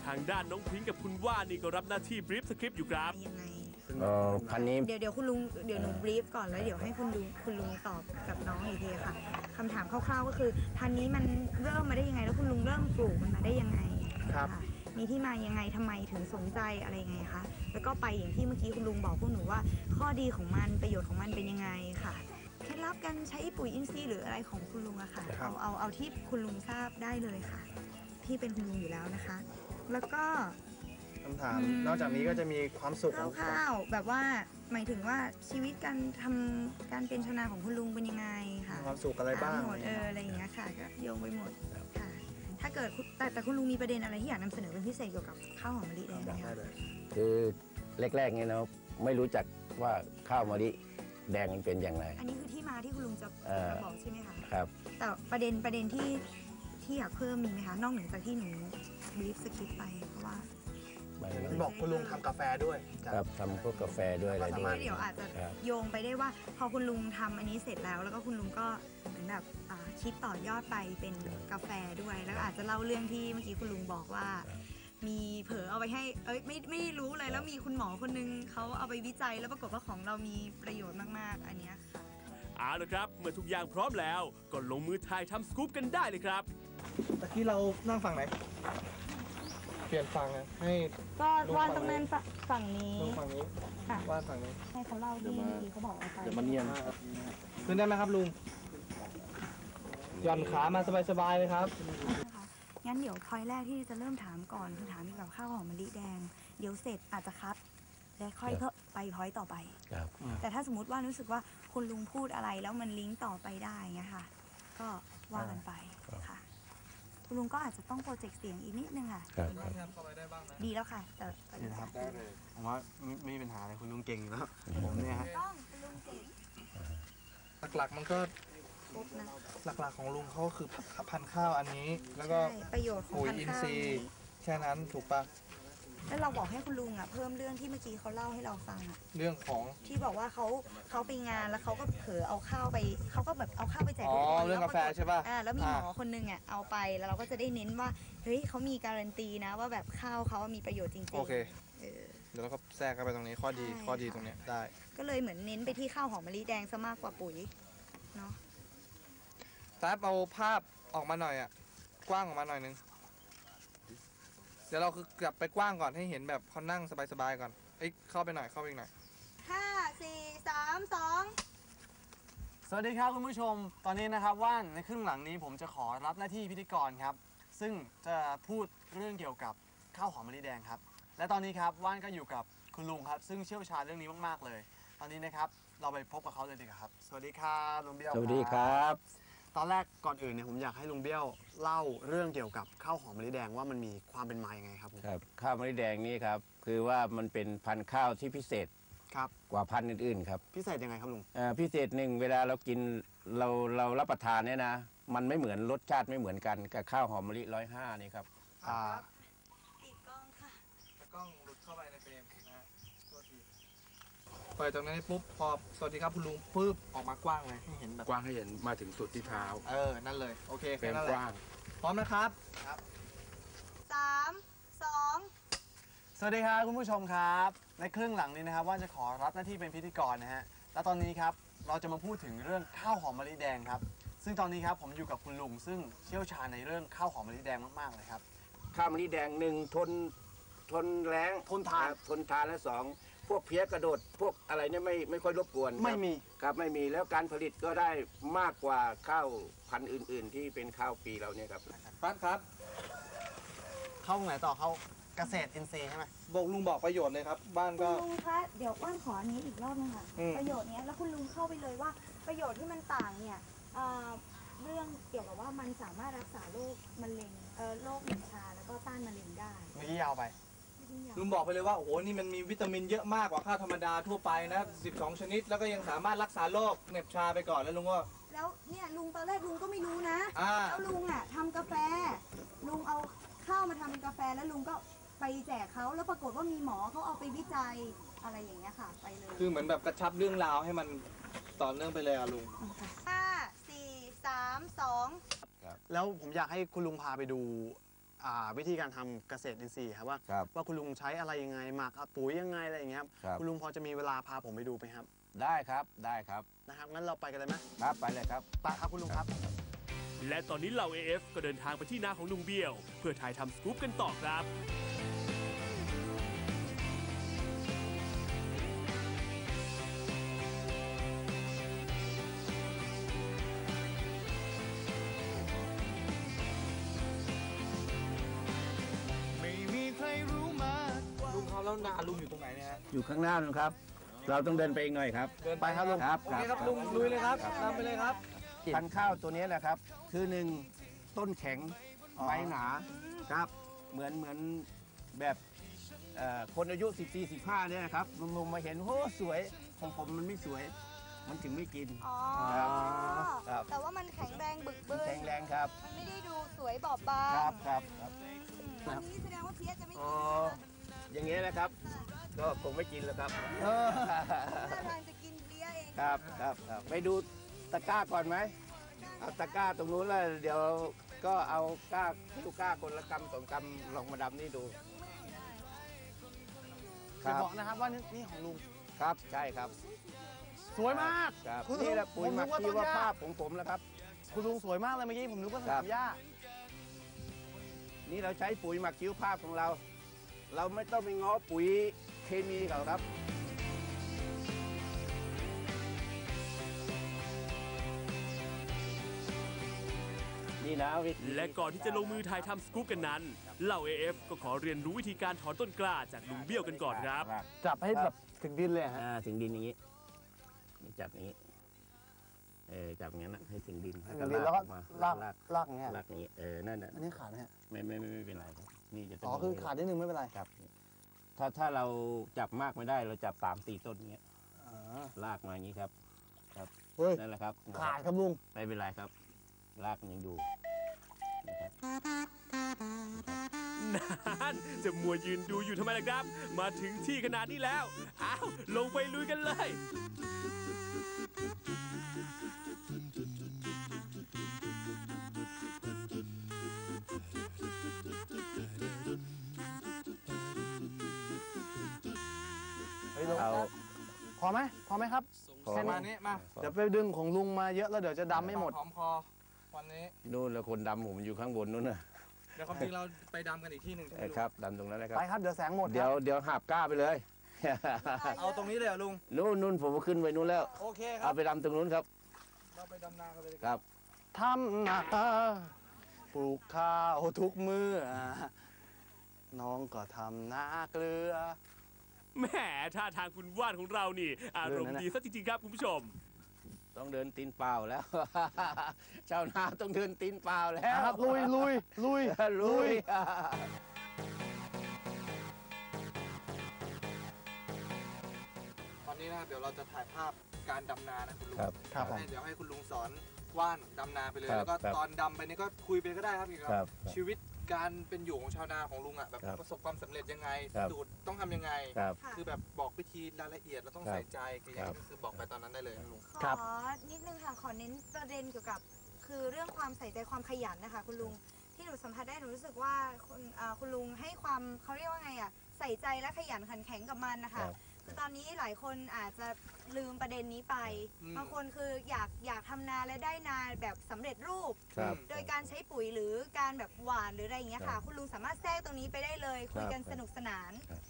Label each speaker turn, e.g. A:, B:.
A: ทางด้านน้องพริ้งกับคุณว่านนี่ก็รับหน้าที่บรีฟสคริปต์อยู่ครับ
B: ยังไง
C: พันนี้
B: เดี๋ยวคุณลุงเดี๋ยวหนูบรีฟก่อนแล้วเดี๋ยวให้คุณลุงตอบกับน้องอีกทีค่ะคำถามคร่าวๆก็คือพันนี้มันเริ่มมาได้ยังไงแล้วคุณลุงเริ่มปลูกมันมาได้ยังไง
D: ครับ
B: มีที่มายังไงทำไมถึงสนใจอะไรยังไงคะแล้วก็ไปอย่างที่เมื่อกี้คุณลุงบอกพวกหนูว่าข้อดีของมันประโยชน์ของมันเป็นยังไงค่ะเคล็ดลับการใช้ปุ๋ยอินทรีย์หรืออะไรของคุณลุงอะค่ะเอาที่คุณลุงทราบได้เลยค่ะที่เป็นคุณลุงอยู่แล้วนะคะ แล้วก็
D: คำถามนอกจากนี้ก็จะมีความสุขของ
B: คร่าวๆแบบว่าหมายถึงว่าชีวิตการทำการเป็นชาวนาของคุณลุงเป็นยังไงค่ะ
D: ความสุขอะไรบ้าง
B: หมดอะไรอย่างเงี้ยค่ะก็โยงไปหมดค่ะถ้าเกิดแต่คุณลุงมีประเด็นอะไรที่อยากนำเสนอเป็นพิเศษเกี่ยวกับข้าวหอมมะลิแดงไหมคะ
C: คือแรกๆเนี่ยเนาะไม่รู้จักว่าข้าวมะลิแดงมันเป็นอย่างไร
B: อันนี้คือที่มาที่คุณลุงจะบอกใช่ไหมคะ
C: ครับ
B: แต่ประเด็นที่อยากเพิ่มมีไหมคะนอกเหนือจากที่หนูบรีฟสคริปต์ไปเพราะว่า
D: บอกคุณลุงทำกาแฟด้วย
C: ครับทำพวกกาแฟด้วยอะไรด้วย
B: เดี๋ยวอาจจะโยงไปได้ว่าพอคุณลุงทำอันนี้เสร็จแล้วก็คุณลุงก็เหมือนแบบคิดต่อยอดไปเป็นกาแฟด้วยแล้วอาจจะเล่าเรื่องที่เมื่อกี้คุณลุงบอกว่ามีเผลอเอาไปให้ไม่รู้เลยแล้วมีคุณหมอคนนึงเขาเอาไปวิจัยแล้วปรากฏว่าของเรามีประโยชน์มากๆอันนี้ค่ะ
A: เอาละครับเมื่อทุกอย่างพร้อมแล้วก็ลงมือถ่ายทำสกู๊ปกันได้เลยครับ
D: ตะกี้เรานั่งฝั่งไหนเปลี่ยนฝั่งนะให้
B: ก็วาดตรงนั้นฝั่งนี้
D: ฝั่งนี้วาดฝั่งนี้
B: ให้เขาเล่าที่เขาบอกเอาไป
D: เดี๋ยวมาเนียนขึ้นได้ไหมครับลุงหย่อนขามาสบายๆเลยครับ
B: งั้นเดี๋ยวพอยแรกที่จะเริ่มถามก่อนคือถามเกี่ยวกับข้าวหอมมะลิแดงเดี๋ยวเสร็จอาจจะคัดและค่อยไปพอยต่อไปแต่ถ้าสมมติว่ารู้สึกว่าคุณลุงพูดอะไรแล้วมันลิงก์ต่อไปได้เงี้ยค่ะก็ว่ากันไปค่ะคุณลุงก็อาจจะต้องโปรเจกต์เสียงอีกนิดนึงค่ะดีแล้วค่ะแต่
D: ดีครับได้เลยผมว่าไม่มีปัญหาเลยคุณลุงเก่งอยู่แล้วผมเนี่ยฮะ
B: ต้องคุณลุงเก่ง
D: หลักๆมันก็หลักๆของลุงเขาคือพันธุ์ข้าวอันนี้แล้วก็
B: ประโยชน์ของ
D: ปุ๋ยอินทรีย์แค่นั้นถูกปะ
B: แล้วเราบอกให้คุณลุงเพิ่มเรื่องที่เมื่อกี้เขาเล่าให้เราฟัง
D: เรื่องของ
B: ที่บอกว่าเขาไปงานแล้วเขาก็เผลอเอาข้าวไปเขาก็แบบเอาข้าวไปแจก
D: เรื่องกาแฟใช่ป่ะ
B: แล้วมีหมอคนนึงเอาไปแล้วเราก็จะได้เน้นว่าเฮ้ยเขามีการันตีนะว่าแบบข้าวเขามีประโยชน์จริงๆ
D: โอเคเดี๋ยวเราก็แทรกเข้าไปตรงนี้ข้อดีตรงเนี้ยได้
B: ก็เลยเหมือนเน้นไปที่ข้าวหอมมะลิแดงซะมากกว่าปุ๋ยเนาะ
D: แต่เอาภาพออกมาหน่อยกว้างออกมาหน่อยนึงเดี๋ยวเราคือกลับไปกว้างก่อนให้เห็นแบบเขานั่งสบายๆก่อนเข้าไปหน่อยเข้าไปอีกหน่อย
B: 5 4 3 2
E: สวัสดีครับคุณผู้ชมตอนนี้นะครับว่านในครึ่งหลังนี้ผมจะขอรับหน้าที่พิธีกรครับซึ่งจะพูดเรื่องเกี่ยวกับข้าวหอมมะลิแดงครับและตอนนี้ครับว่านก็อยู่กับคุณลุงครับซึ่งเชี่ยวชาญเรื่องนี้มากๆเลยตอนนี้นะครับเราไปพบกับเขาเลยดีกว่าครับสวัสดีครับลุงเบี้ยว
C: สวัสดีครับ
E: ตอนแรกก่อนอื่นเนี่ยผมอยากให้ลุงเบี้ยวเล่าเรื่องเกี่ยวกับข้าวหอมมะลิแดงว่ามันมีความเป็นมาอย่างไงครับ
C: ครับข้าวมะลิแดงนี่ครับคือว่ามันเป็นพันธุ์ข้าวที่พิเศษกว่าพันธุ์อื่นๆครับ
E: พิเศษยังไงครับลุง
C: พิเศษหนึ่งเวลาเรากินเรารับประทานเนี่ยนะมันไม่เหมือนรสชาติไม่เหมือนกันกับข้าวหอมมะลิ105นี่ครับ
B: ติดกล้องค่ะ
D: กล้องหลุดเข้าไปในเฟรมนะตัวทีเปิดตรงนี้ปุ๊บพอสวัสดีครับคุณลุงปุ๊บออกมากว้างเลยให้เห็นแบบ
F: กว้างให้เห็นมาถึงสุดที่เท้า
D: นั่นเลยโอเค
F: เป็นกว้าง
D: พร้อมนะครับ
B: 3 2
E: สวัสดีครับคุณผู้ชมครับในครึ่งหลังนี้นะครับว่าจะขอรับหน้าที่เป็นพิธีกรนะฮะและตอนนี้ครับเราจะมาพูดถึงเรื่องข้าวหอมมะลิแดงครับซึ่งตอนนี้ครับผมอยู่กับคุณลุงซึ่งเชี่ยวชาญในเรื่องข้าวหอมมะลิแดงมากๆเลยครับ
C: ข้าวมะลิแดง1ทนแรง
E: ทนทาน
C: และ2พวกเพี้ยกระโดดพวกอะไรเนี่ยไม่ค่อยรบกวน
E: ไม่มี
C: ครับไม่มีแล้วการผลิตก็ได้มากกว่าข้าวพันธุ์อื่นๆที่เป็นข้าวปีเราเนี่ยครับ
D: ป้านครับ
E: เข้าไหนต่อเข้าเกษตรอินทรีย์ใช่ไหม
D: บอกลุงบอกประโยชน์เลยครับบ้านก็
B: ลุงคะเดี๋ยวบ้านขออันนี้อีกรอบนึงค่ะประโยชน์นี้แล้วคุณลุงเข้าไปเลยว่าประโยชน์ที่มันต่างเนี่ยเรื่องเกี่ยวกับว่ามันสามารถรักษาโรคมะเร็งโรคเหน็บชาแล้วก็ต้านมะเร็งได้
E: เมื่อกี้ยาวไป
D: ลุงบอกไปเลยว่าโอ้โหนี่มันมีวิตามินเยอะมากกว่าข้าวธรรมดาทั่วไปนะ12 ชนิดแล้วก็ยังสามารถรักษาโรคเหน็บชาไปก่อนแล้วลุงก็
B: แล้วเนี่ยลุงตอนแรกลุงก็ไม่รู้นะแล้วลุงทำกาแฟลุงเอาข้าวมาทำเป็นกาแฟแล้วลุงก็ไปแจกเขาแล้วปรากฏว่ามีหมอเขาเอาไปวิจัยอะไรอย่างเงี้ยค่ะไปเลย
D: คือเหมือนแบบกระชับเรื่องราวให้มันต่อเนื่องไปเลยลุง
B: 5 4 3 2
E: แล้วผมอยากให้คุณลุงพาไปดูวิธีการทำเกษตรอินทรีย์ครับว่า
C: ครับ
E: ว่าคุณลุงใช้อะไรยังไงหมักปุ๋ยยังไงอะไรอย่างเงี้ยครับ
C: ครับ
E: คุณลุงพอจะมีเวลาพาผมไปดูไหมครับ
C: ได้ครับได้ครับ
E: นะครับงั้นเราไปกันเลยไหม
C: ครับไปเลยครับ
E: ไปครับคุณลุงครับ
A: และตอนนี้เหล่า AF ก็เดินทางไปที่นาของลุงเบี้ยว เพื่อถ่ายทำสกู๊ปกันต่อครับ
D: ลุงเขาแล้วนาลุงอยู่ตรงไหนเนี่ยฮะ
C: อยู่ข้างหน้านะครับ เราต้องเดินไปอีกหน่อยครับ
D: เดินไปครับลุง
C: ครับ
D: โอเคครับลุงลุยเลยครับนำไปเลยครับ
C: พันธุ์ข้าวตัวนี้นะครับ คือหนึ่งต้นแข็งใบหนาครับ เหมือนแบบคนอายุ14 15เนี่ยนะครับลุงๆมาเห็นโอ้สวยของผมมันไม่สวย มันถึงไม่กิน
B: อ๋อ
C: ครับ
B: แต่ว่ามันแข็งแรงบึกบึน
C: แข็งแรงครับ
B: มันไม่ได้ดูสวยบอบบาง
C: ครับครับครับ
B: วันนี้แสดงว่าเพี้ยจะไม่
C: อ๋
B: กิ
C: อน อย่างเงี้ยนะครับ ก็คงไม่กินแล้วครับ
B: ท่าทางจะกินเพี้ยเอง
C: ครับครับครับไปดูตะกร้าก่อนไหมเอาตะกร้าตรงนู้นแล้วเดี๋ยวก็เอาก้าลูกก้าคนละกำสองกำลองมาดำนี่ดู
E: จะบอกนะครับว่านี่ของลุง
C: ครับใช่ครับ
E: สวยมาก
C: ครับ
E: คุณลุง
C: นี่แหละปุ๋ยหมัก
E: ผมนึ
C: ชี
E: ก
C: ว
E: ว่าต้นหญ้า
C: ภาพของผมแล้วครับ
E: คุณลุงสวยมากเลยเมื่อกี้ผมนึกว่าส
C: ครั
E: นา
C: บ
E: มหญ้า
C: นี่เราใช้ปุ๋ยหมักชีวภาพของเรา เราไม่ต้องไปง้อปุ๋ยเคมีเขาครับ นี่นะวิธี
A: และก่อนที่จะลงมือถ่ายทำสกู๊ปกันนั้น เหล่า AF ก็ขอเรียนรู้วิธีการถอนต้นกล้าจากลุงเบี้ยวกันก่อนครับ
E: จับให้แบบถึงดินเลยฮะ
C: ถึงดินอย่างนี้นี่จับอย่างนี้จับอย่างนั้นนะให้ถึงดิน
E: ถึงดินแล้วก็
C: ออมา
E: ลาก
C: ลาก
E: ลากอย่างเงี้ย
C: ลากอย่างนี้นั่นน่ะ
E: อันนี้ขาดไหมฮะ
C: ไม่เป็นไรครับนี่จะต้
E: อ๋อคือขาดนิดนึงไม่เป็นไร
C: ครับถ้าเราจับมากไม่ได้เราจับ3-4 ต้นอย่างเงี้ย
E: อ๋อ
C: ลากมาอย่างนี้ครับ
E: เฮ้ย
C: นั่นแหละครับ
E: ขาดครับลุง
C: ไม่เป็นไรครับ ลากมันยังอยู่นะครับ
A: นั่นจะมัวยืนดูอยู่ทำไมล่ะครับ มาถึงที่ขนาดนี้แล้ว อ้าว ลงไปลุยกันเลย
E: เฮ้ยลุง
C: เอา
E: พอไหมครับ
C: พอ
D: ประมาณนี้มา
E: เดี๋ยวไปดึงของลุงมาเยอะแล้วเดี๋ยวจะดำไม่หมด
D: หอมคอวันนี้
C: นู่นแล้วคนดำผมอยู่ข้างบนนู้นน่ะ
D: เดี๋ยวความจริงเราไปดำกันอีกที่หนึ่งใช่ไหมลุง
C: ครับดำตรงนั้นนะครับ
E: ไปครับเดี๋ยวแสงหมด
C: เดี๋ยวหาบก้าไปเลย
D: เอาตรงนี้เลยเหรอลุง
C: นู่นผมก็ขึ้นไปนู้นแล้ว
D: โอเคครั
C: เอา
D: บ
C: ไปดำตรงนู้นครับ
D: เราไปดำนากันเลยดีก
C: ค
D: ว่า
C: รับ
E: ทำนาปลูกข้าวทุกมือน้องก็ทำนาเกลือ
A: แหมท่าทางคุณว่านของเรานี่ อารมณ์ดีซะจริงๆครับคุณผู้ชม
C: ต้องเดินตีนเปล่าแล้ว ชาวนาต้องเดินตีนเปล่าแล้ว
E: นะครับลุย
C: ลุย
D: ตอนนี้นะครับเดี๋ยวเราจะถ่ายภาพการดำนานะคุณลุง
C: ครับ
E: ครับผม
D: เดี๋ยวให้คุณลุงสอนว่านดำนาไปเลย
C: ครับ
D: แล้วก็
C: ครับ
D: ตอนดำไปนี่ก็คุยไปก็ได้ครับเกี่ยว
C: ครั
D: กับบ ชีวิตการเป็นอยู่ของชาวนาของลุงอ่ะแบบ
C: ครับ
D: ประสบความสำเร็จยังไง
C: ครับ
D: สูตรต้องทำยังไง
C: ครับ
B: ค่ะ
D: คือแบบบอกวิธีรายละเอียดเราต้อง
C: ครับ
D: ใส่ใจคืออย่าง
C: ครับ
D: นี้คือบอกไปตอนนั้นได้เลยนะลุง
E: ครับ
B: ขอนิดนึงค่ะ ขอเน้นประเด็นเกี่ยวกับ คือเรื่องความใส่ใจความขยันนะคะ คุณลุง ที่หนูสัมผัสได้หนูรู้สึกว่าคุณลุงให้ความเขาเรียกว่าไงอ่ะ ใส่ใจและขยันขันแข็งกับมันนะคะ
C: ครับ
B: คือตอนนี้หลายคนอาจจะลืมประเด็นนี้ไป
D: อืม
B: บางคนคืออยากทำนาและได้นาแบบสำเร็จรูป
C: ครับ
B: โดยการใช้ปุ๋ยหรือการแบบหวานหรืออะไรอย่างเงี้ย
C: ครั
B: ค่ะ
C: บ
B: คุณลุงสามารถแทรกตรงนี้ไปได้เลย คุยกัน
C: ครับ
B: สนุกสนาน
C: ครับ